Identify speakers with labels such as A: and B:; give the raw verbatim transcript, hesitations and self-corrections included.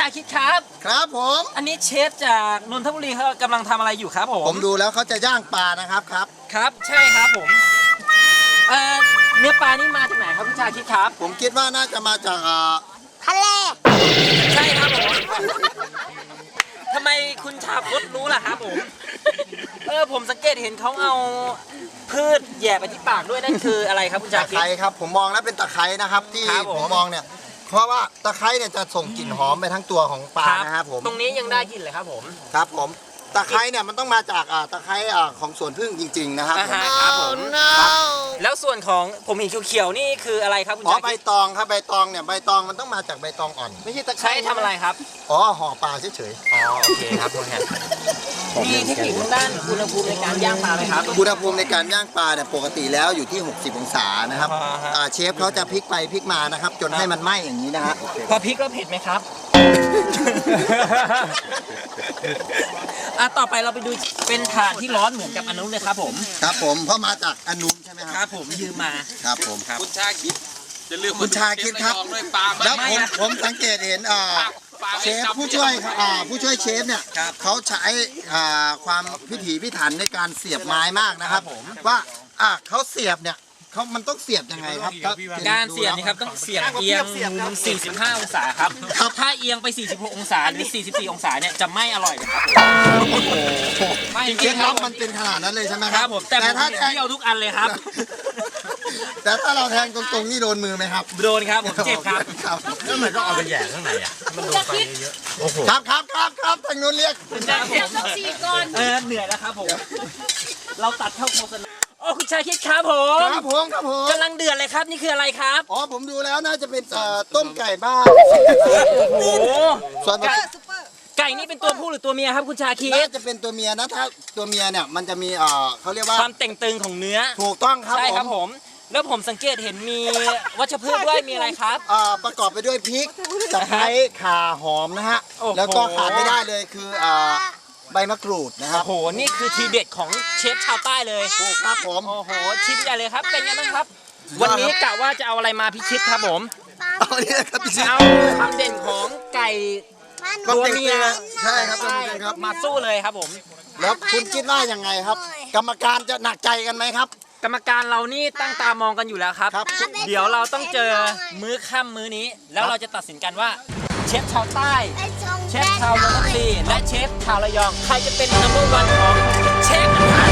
A: าคิดครับ
B: ครับผม
A: อันนี้เชฟจากนนทบุรีเขากำลังทำอะไรอยู่ครับผม
B: ผมดูแล้วเขาจะย่างปลานะครับครับ
A: ครับใช่ครับผมเอ่อเนื้อปลานี่มาจากไหนครับคุณชาคิดครับ
B: ผมคิดว่าน่าจะมาจาก
C: ทะเล
A: ใช่ครับผมทำไมคุณชาพดรู้ล่ะครับผมเออผมสังเกตเห็นเขาเอาพืชแย่ไปที่ปากด้วยนั่นคืออะไรครับคุณชาคิด
B: ตะไคร้ครับผมมองแล้วเป็นตะไคร้นะครับที่ผมมองเนี่ยเพราะว่าตะไคร้เนี่ยจะส่งกลิ่นหอมไปทั้งตัวของปลานะครับผม
A: ตรงนี้ยังได้กลิ่นเลยครับผม
B: ครับผมตะไคร้เนี่ยมันต้องมาจากตะไคร้ของสวนพึ่งจริงๆนะครับ
A: ครับผมแล้วส่วนของผมเห็นเขียวๆนี่คืออะไรครับคุณชาคิด
B: อ๋อใบตองครับใบตองเนี่ยใบตองมันต้องมาจากใบตองอ่อนไม่ใช่ตะไคร้
A: ใช้ทำอะไรครับ
B: อ๋อห่อปลาเฉย
A: ๆอ๋อโอเคครับคุณฮะมีเทคนิคด้านอุณหภูมิในการย่างปลาไหมครับ
B: อุณหภูมิในการย่างปลาเนี่ยปกติแล้วอยู่ที่หกสิบองศานะครับเชฟเขาจะพลิกไปพลิกมานะครับจนให้มันไหม้อย่างนี้นะฮะ
A: พอพริกแล้วเผ็ดไหมครับอ่ะต่อไปเราไปดูเป็นถ่านที่ร้อนเหมือนกับอันนู้นเลยครับผม
B: ครับผมเพราะมาจากอันนู้นใช่ไหมครับ
A: ครับผมยืมมา
B: ครับผม
A: ครับ
D: คุณชาคิดจะลืม
B: คุณชาคิดครับแล้วผมผมสังเกตเห็นเชฟผู้ช่วยผู้ช่วยเชฟเนี่ยเขาใช้ความพิถีพิถันในการเสียบไม้มากนะครับว่าเขาเสียบเนี่ยเขามันต้องเสียบยังไงครับ
A: การเสียบนี่ครับต้องเสียบเอียงมุมสี่สิบห้าองศาครับถ้าเอียงไปสี่สิบหกองศาหรือสี่สิบสี่องศาเนี่ยจะไม่อร่อยเลยครับ
B: จริงๆแล้วมันเป็นขนาดนั้นเลยใช่ไหม
A: ครับผมแต่ถ้าเที่ยวทุกอันเลยครับ
B: แต่ถ้าเราแทงตรงๆนี่โดนมือไหมครับ
A: โดนครับผมเจ็บครับ
D: แล้วมันต้องเอาไปแย่ข้างในอ่ะมันโดนไฟเยอะ
B: โอ้โหครับครับครับครับทางนู้นเรียก
C: ต้องสี่ก่อน
A: เออเหนื่อยแล้วครับผมเราตัดเข้าโฆษณาโอ้คุณชาคิดครับผม
B: ครับผมครับผม
A: กำลังเดือดเลยครับนี่คืออะไรครับ
B: อ๋อผมดูแล้วน่าจะเป็นต้มไก่บ้าน
A: โอ้โห
B: ส่วน
A: ไก่นี่เป็นตัวผู้หรือตัวเมียครับคุณชาคิด
B: น่าจะเป็นตัวเมียนะถ้าตัวเมียเนี่ยมันจะมีเอ่อเขาเรียกว่า
A: ความเต่งตึงของเนื้อ
B: ถูกต้องครับ
A: ใช่ครับผมแล้วผมสังเกตเห็นมีวัชพืชด้วยมีอะไรครับ
B: อ่าประกอบไปด้วยพริกตะไคร้ข่าหอมนะฮะแล้วก็ขาดไม่ได้เลยคืออ่าใบมะกรูดนะครับ
A: โอ้โหนี่คือทีเด็ดของเชฟชาวใต้เลย
B: ถูกครับผม
A: โอ้โหชิมใหญ่เลยครับเป็นยังไงบ้างครับวันนี้กะว่าจะเอาอะไรมาพิชิตครับผม
B: เอาเนี่ยครับพิชิต
A: เอาความเด่นของไก่ตัวเมีย
B: ใช่ครับครับ
A: มาสู้เลยครับผม
B: แล้วคุณคิดว่ายังไงครับกรรมการจะหนักใจกันไหมครับ
A: กรรมการเรานี่ตั้งตามองกันอยู่แล้วครับเดี๋ยวเราต้องเจอมื้อค่ำมื้อนี้แล้วเราจะตัดสินกันว่าเชฟชาวใต้เชฟชาวนนทบุรีและเชฟชาวระยองใครจะเป็นนัมเบอร์วันของเชฟ